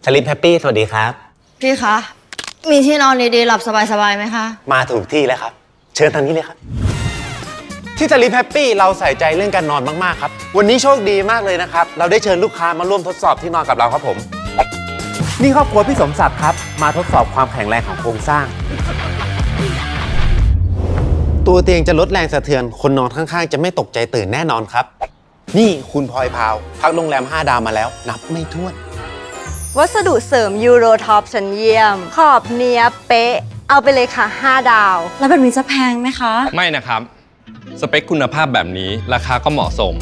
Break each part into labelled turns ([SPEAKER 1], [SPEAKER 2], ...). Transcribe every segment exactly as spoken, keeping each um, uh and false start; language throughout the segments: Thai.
[SPEAKER 1] สลิปแฮปปี้สวัสดีครับ
[SPEAKER 2] พี่คะมีที่นอนดีๆหลับสบายๆไหมคะ
[SPEAKER 1] มาถูกที่แล้วครับเชิญทางนี้เลยครับที่สลิปแฮปปี้เราใส่ใจเรื่องการนอนมากๆครับวันนี้โชคดีมากเลยนะครับเราได้เชิญลูกค้ามาร่วมทดสอบที่นอนกับเราครับผมนี่ครอบครัวพี่สมศักดิ์ครับมาทดสอบความแข็งแรงของโครงสร้างตัวเตียงจะลดแรงสะเทือนคนนอนข้างๆจะไม่ตกใจตื่นแน่นอนครับนี่คุณพลอยพาวพักโรงแรมห้าดาวมาแล้วนับไม่ถ้วน
[SPEAKER 3] วัสดุเสริมยูโรท็อปชั้นเยี่ยมขอบเนียบเป๊ะเอาไปเลยค่ะห้าดาว
[SPEAKER 2] แล้วแบบนี้จะแพงไหมคะ
[SPEAKER 4] ไม่นะครับสเปคคุณภาพแบบนี้ราคาก็เหมาะสม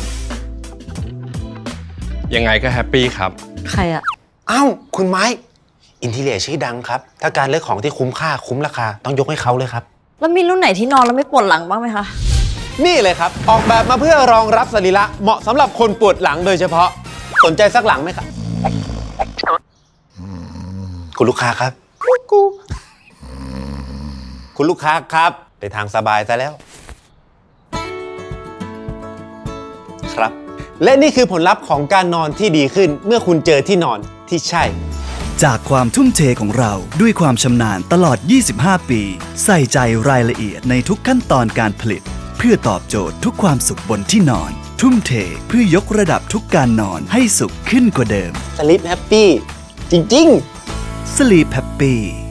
[SPEAKER 4] ยังไงก็แฮปปี้ครับ
[SPEAKER 2] ใครอะ
[SPEAKER 1] อ้าวคุณไม้อินทีเรียชื่อดังครับถ้าการเลือกของที่คุ้มค่าคุ้มราคาต้องยกให้เขาเลยครับ
[SPEAKER 2] แล้วมีรุ่นไหนที่นอนแล้วไม่ปวดหลังบ้างไหมคะ
[SPEAKER 1] นี่เลยครับออกแบบมาเพื่อรองรับสรีระเหมาะสำหรับคนปวดหลังโดยเฉพาะสนใจสักหลังไหมครับคุณลูกค้าครับกูคุณลูกค้าครับไปทางสบายซะแล้วครับและนี่คือผลลัพธ์ของการนอนที่ดีขึ้นเมื่อคุณเจอที่นอนที่ใช่
[SPEAKER 5] จากความทุ่มเทของเราด้วยความชำนาญตลอดยี่สิบห้าปีใส่ใจรายละเอียดในทุกขั้นตอนการผลิตเพื่อตอบโจทย์ทุกความสุขบนที่นอนทุ่มเทเพื่อยกระดับทุกการนอนให้สุขขึ้นกว่าเดิม
[SPEAKER 1] Sleep Happy จริงๆ
[SPEAKER 5] Sleep Happy